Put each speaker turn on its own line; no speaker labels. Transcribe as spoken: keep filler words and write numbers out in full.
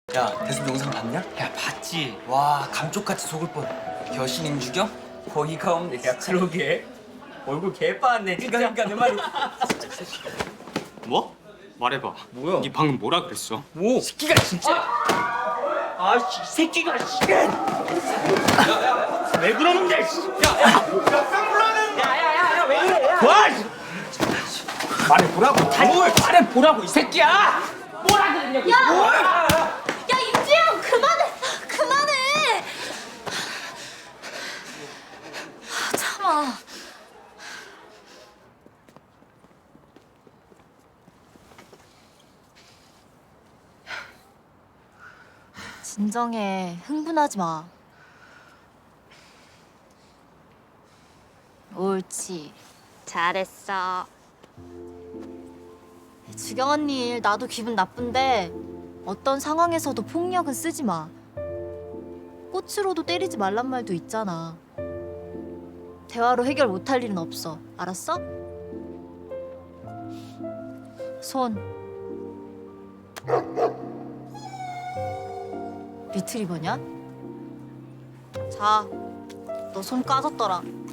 야, 대순 영상 봤냐?
야 봤지.
와, 감쪽같이 속을 뻔. 여신임 죽여? 어이가 없네,
야
진짜.
그러게. 얼굴 개빠았네 진짜.
그러니까 내 말이.
뭐? 말해봐.
뭐야?
니 방금 뭐라 그랬어?
뭐? 새끼가 진짜. 아씨 새끼가 씨. 왜 그러는데? 씨. 야야야야야 왜 그래? 야. 와. 말해보라고. 뭘 말해보라고 이 새끼야. 뭐라 그랬냐고.
야! 야 임지영 그만해! 그만해! 아, 참아. 진정해. 흥분하지 마. 옳지. 잘했어. 주경 언니 일 나도 기분 나쁜데 어떤 상황에서도 폭력은 쓰지 마. 꽃으로도 때리지 말란 말도 있잖아. 대화로 해결 못할 일은 없어. 알았어? 손. 리트리버냐? 자, 너 손 까졌더라.